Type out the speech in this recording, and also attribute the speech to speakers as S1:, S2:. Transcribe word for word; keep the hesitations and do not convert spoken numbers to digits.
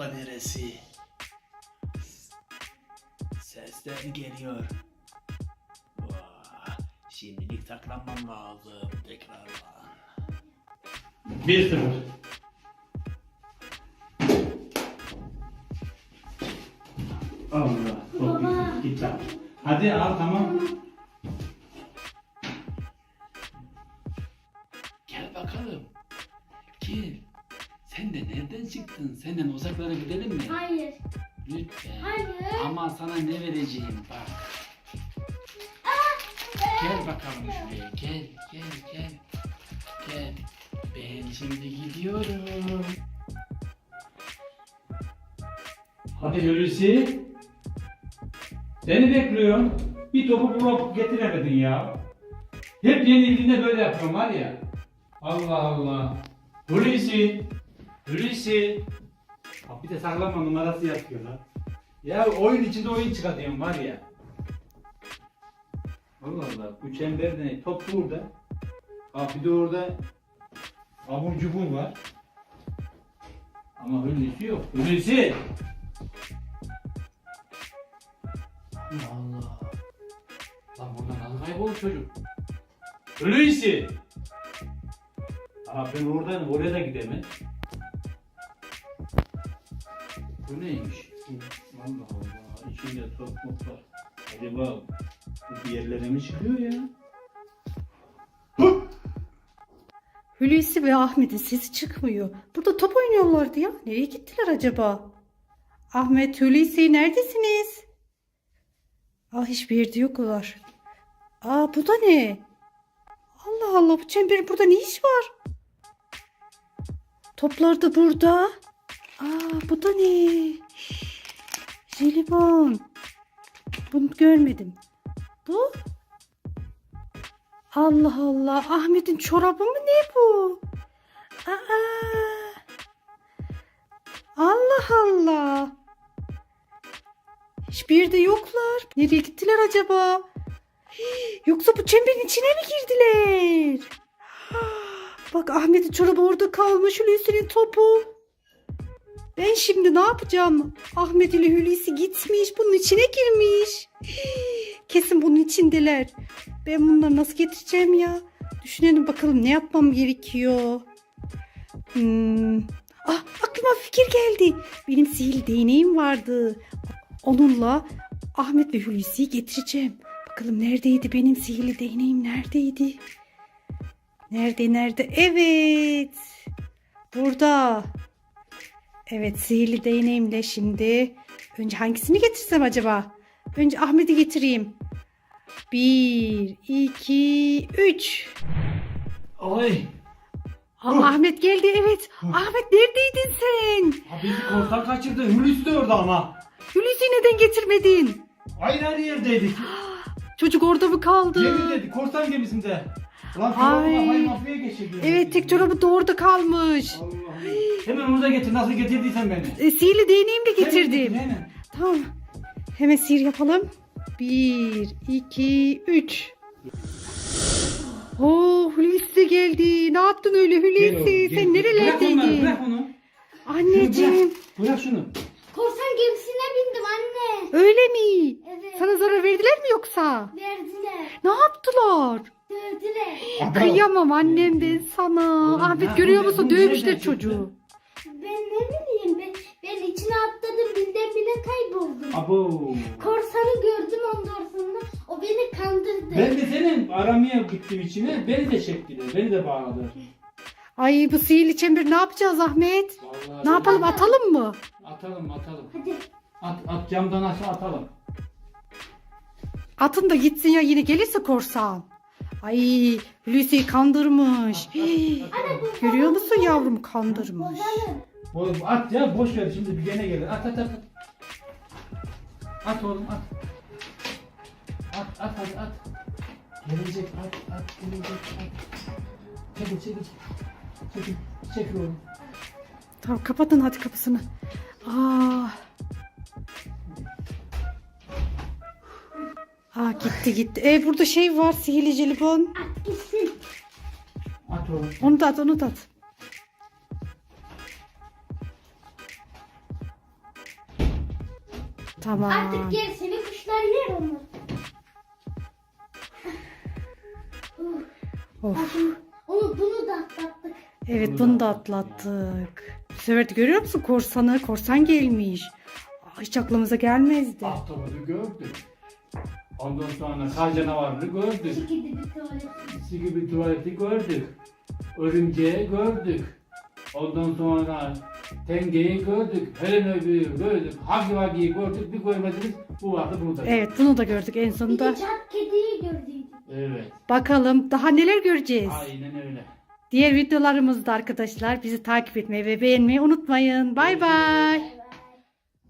S1: nokta neresi? Sesler geliyor. Vah, şimdilik saklanmam lazım. Tekrardan. Bir sıfır. Allah.
S2: Baba.
S1: Git, git lan. Hadi al tamam. Gel bakalım. Gel. Sen de nereden çıktın? Senden uzaklara gidelim mi?
S2: Hayır.
S1: Lütfen.
S2: Hayır.
S1: Ama sana ne vereceğim bak. Gel bakalım şuraya. Gel, gel, gel. Gel. Ben şimdi gidiyorum. Hadi Hulusi. Seni bekliyorum. Bir topu bulup getiremedin ya. Hep yenildiğinde böyle yapıyorum var ya. Allah Allah. Hulusi. Hulusi. Bak bir de saklanma numarası yapıyor lan. Ya oyun içinde oyun çıkartıyorum var ya. Allah Allah. Bu çemberde ne? Top burada. Bak bir de orada abur cubur var. Ama Hulusi yok. Hulusi. Allah Allah. Lan buradan nasıl kaybolur çocuk? Hulusi. Aa ben oradan oraya da gidemem. Bu neymiş? Allah Allah. İçinde top mop var. Acaba bu bir yerlere mi çıkıyor ya?
S3: Hulusi ve Ahmet'in sesi çıkmıyor. Burada top oynuyorlardı ya. Nereye gittiler acaba? Ahmet, Hulusi neredesiniz? Aa, hiçbir yerde yoklar. Aa, bu da ne? Allah Allah, bu çemberin burada ne iş var? Toplar da burada. Aa, bu da ne? Jelibon. Bunu görmedim. Bu? Allah Allah. Ahmet'in çorabı mı ne bu? Aa. Allah Allah. Hiçbir yerde yoklar. Nereye gittiler acaba? Hii, yoksa bu çemberin içine mi girdiler? Bak Ahmet'in çorabı orada kalmış. Hulusi'nin topu. Ben şimdi ne yapacağım? Ahmet ile Hulusi gitmiş. Bunun içine girmiş. Hii, kesin bunun içindeler. Ben bunları nasıl getireceğim ya? Düşünelim bakalım ne yapmam gerekiyor. Hmm. Ah, aklıma bir fikir geldi. Benim sihirli değneğim vardı. Onunla Ahmet ve Hulusi'yi getireceğim. Bakalım neredeydi benim sihirli değneğim, neredeydi? Nerede nerede? Evet. Burada. Evet, sihirli değneğimle şimdi. Önce hangisini getirsem acaba? Önce Ahmet'i getireyim. Bir, iki, üç.
S1: Ay.
S3: Aa, Ahmet geldi, evet. Ahmet neredeydin sen?
S1: Ha bizi korsan kaçırdı. Hulusi de orada ama.
S3: Hulusi'yi neden getirmedin?
S1: Aynı her yerdeydik.
S3: Çocuk orada mı kaldı?
S1: Gemideydik. Korsan gemisinde. Lan
S3: Ay.
S1: çorabına hay mafya geçirdi.
S3: Evet, tek çorabı da orada kalmış.
S1: Allah'ım. Hemen onu da getir. Nasıl getirdiysen beni.
S3: E, sihirli değneğimi de
S1: Hemen
S3: getirdim.
S1: getir, hemen.
S3: Tamam. Hemen sihir yapalım. Bir, iki, üç. Oo, Hulusi de geldi. Ne yaptın öyle
S1: Gel oğlum,
S3: Hulusi?
S1: gel.
S3: Sen
S1: Bırak onları,
S3: nerelerdeydin?
S1: bırak onu.
S3: Anneciğim.
S1: Bırak, bırak şunu.
S2: Korsan gemisine bindim anne.
S3: Öyle mi?
S2: Evet.
S3: Sana zarar verdiler mi yoksa?
S2: Verdiler.
S3: Ne yaptılar?
S2: Dövdüler.
S3: Kıyamam annem ben sana.
S1: Oğlum,
S3: Ahmet
S1: ne-
S3: görüyor
S1: bu-
S3: musun?
S1: bu nereden
S3: Dövmüşler
S1: çıktı?
S3: çocuğu.
S2: Ben ne bileyim ben, ben içine atladım birden bire kayboldum.
S1: Abo.
S2: Korsanı gördüm ondan sonra o beni kandırdı.
S1: Ben de senin aramaya gittim içine. Beni de çektiler. Beni de bağladılar.
S3: Ay, bu sihirli çember ne yapacağız Ahmet?
S1: Vallahi
S3: Ne yapalım, atalım mı?
S1: Atalım atalım.
S2: Hadi.
S1: At, at camdan aşağı atalım.
S3: Atın da gitsin ya, yine gelirse korsan. Ay, Hulusi'yi kandırmış. Hii, görüyor musun yavrum, kandırmış.
S2: Ozan'ım.
S1: Oğlum at ya boş ver şimdi bir gene gelir. At at at. At, at oğlum at. At at hadi at. Gelecek at at gelecek at. Çekil çekil. Çekil. Çekil oğlum.
S3: Tamam, kapatın hadi kapısını. Aa. Aa, gitti gitti. E, burada şey var, sihirli jelibon.
S2: At gitsin.
S1: At oğlum.
S3: Onu da at, onu da at. Tamam.
S2: Artık gerisini kuşlar yer onu.
S3: Of.
S2: Bakın, onu bunu da atlattık.
S3: Evet bunu da atlattık. Bu sefer de görüyor musun korsanı? Korsan gelmiş. Aa, hiç aklımıza gelmezdi.
S1: Ahtapotu gördük. Ondan sonra kar canavarını gördük.
S2: Sikidi bir tuvalet.
S1: Gibi tuvaleti gördük. Örümceği gördük. Ondan sonra tengeyi gördük. Helen öbüğü gördük. Hagi vagiyi gördük. Bir görmediniz. Bu vardı bunu da.
S3: Evet bunu da gördük en
S2: Bir
S3: sonunda.
S2: de çat kediyi gördük.
S1: Evet.
S3: Bakalım daha neler göreceğiz.
S1: Aynen öyle.
S3: Diğer videolarımızda arkadaşlar bizi takip etmeyi ve beğenmeyi unutmayın. Bay bay.